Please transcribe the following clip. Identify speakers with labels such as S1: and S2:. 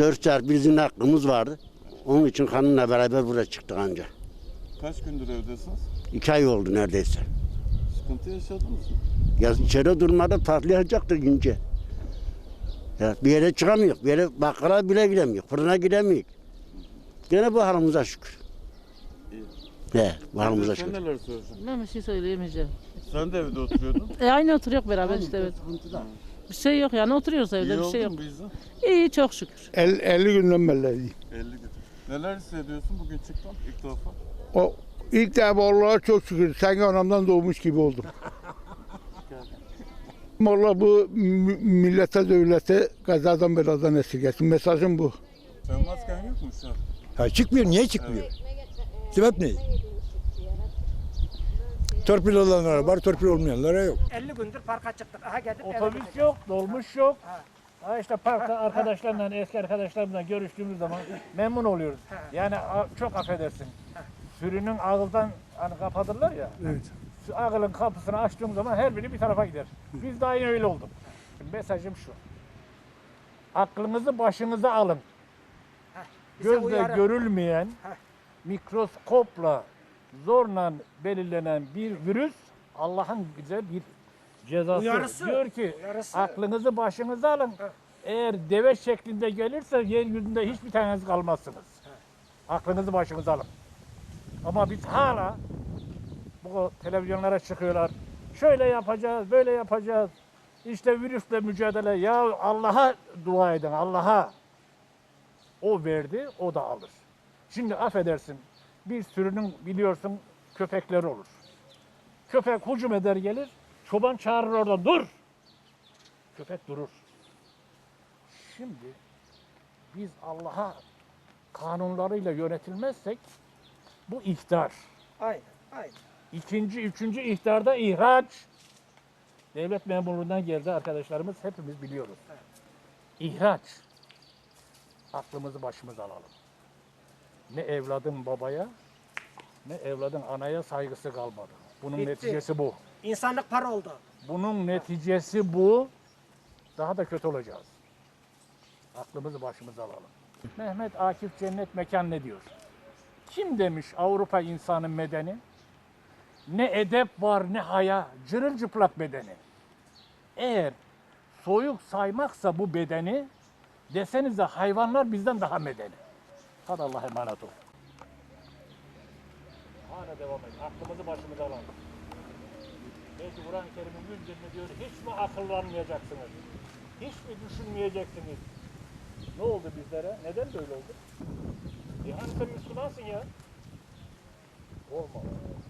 S1: 4 bir izin hakkımız vardı. Onun için hanımla beraber buraya çıktık anca.
S2: Kaç gündür evdesiniz?
S1: 2 ay oldu neredeyse.
S2: Sıkıntı yaşadınız mı?
S1: Ya içeri durmada patlayacaktık ince. Ya bir yere çıkamıyor, bir yere bakkala bile gidemiyor, fırına gidemiyor. Gene bu halimize şükür.
S2: İyi.
S1: He, bu halimize
S2: Sen
S1: şükür.
S2: neler söyleyeceksin?
S3: Ben bir şey söyleyemeyeceğim.
S2: Sen de evde oturuyordun.
S3: Aynı oturuyor beraber işte evet. Bir şey yok yani oturuyoruz evde
S2: İyi
S3: bir şey yok.
S2: oldun bu yüzden.
S3: İyi çok şükür.
S4: 50 günden beri.
S2: 50 gün. Neler hissediyorsun bugün çıktın ilk defa?
S4: O ilk defa Allah'a çok şükür sanki anamdan doğmuş gibi oldum. Vallahi bu millete devlete kazadan beladan esirgesin. Mesajım bu.
S2: Sen masken yok mu şu an?
S5: Ya çıkmıyor, niye çıkmıyor? Sebep ne? Torpil olanlara var, torpil olmayanlara yok.
S6: 50 gündür parka çıktık. Aha geldik.
S7: Otobüs yok, dolmuş yok. Ha işte parkta arkadaşlarla, eski arkadaşlarımla görüştüğümüz zaman memnun oluyoruz. Yani çok affedersin. Sürünün ağıldan hani kapatırlar ya.
S4: Evet.
S7: Ağılın kapısını açtığım zaman her biri bir tarafa gider. Biz de aynı öyle olduk. Mesajım şu. Aklınızı başınıza alın. Gözle görülmeyen mikroskopla zorla belirlenen bir virüs Allah'ın bize bir cezası.
S6: Uyarısı.
S7: Diyor ki
S6: Uyarısı.
S7: aklınızı başınıza alın. Eğer deve şeklinde gelirse yeryüzünde hiçbir taneniz kalmazsınız. Aklınızı başınıza alın. Ama biz hala bu televizyonlara çıkıyorlar. Şöyle yapacağız, böyle yapacağız. İşte virüsle mücadele. Ya Allah'a dua edin, Allah'a. O verdi, o da alır. Şimdi affedersin, bir sürünün biliyorsun köpekleri olur. Köpek hücum eder gelir, çoban çağırır oradan, dur! Köpek durur. Şimdi biz Allah'a kanunlarıyla yönetilmezsek bu ihtar.
S6: Aynen, aynen.
S7: İkinci, üçüncü ihtarda ihraç. Devlet memurluğundan geldi arkadaşlarımız, hepimiz biliyoruz. İhraç. Aklımızı başımıza alalım. Ne evladın babaya, ne evladın anaya saygısı kalmadı. Bunun
S6: Bitti.
S7: neticesi bu.
S6: İnsanlık para oldu.
S7: Bunun neticesi bu. Daha da kötü olacağız. Aklımızı başımıza alalım. Mehmet Akif Cennet Mekan ne diyor? Kim demiş Avrupa insanı medeni? Ne edep var ne haya, cırılcıplak bedeni. Eğer soyuk saymaksa bu bedeni, desenize hayvanlar bizden daha medeni. Hadi Allah'a emanet ol. Hala devam edin. Aklımızı başımıza alalım. Belki Kur'an-ı Kerim'in 100 diyor, hiç mi akıllanmayacaksınız? Hiç mi düşünmeyeceksiniz? Ne oldu bizlere? Neden böyle oldu? Hani sen Müslümansın ya. Olma.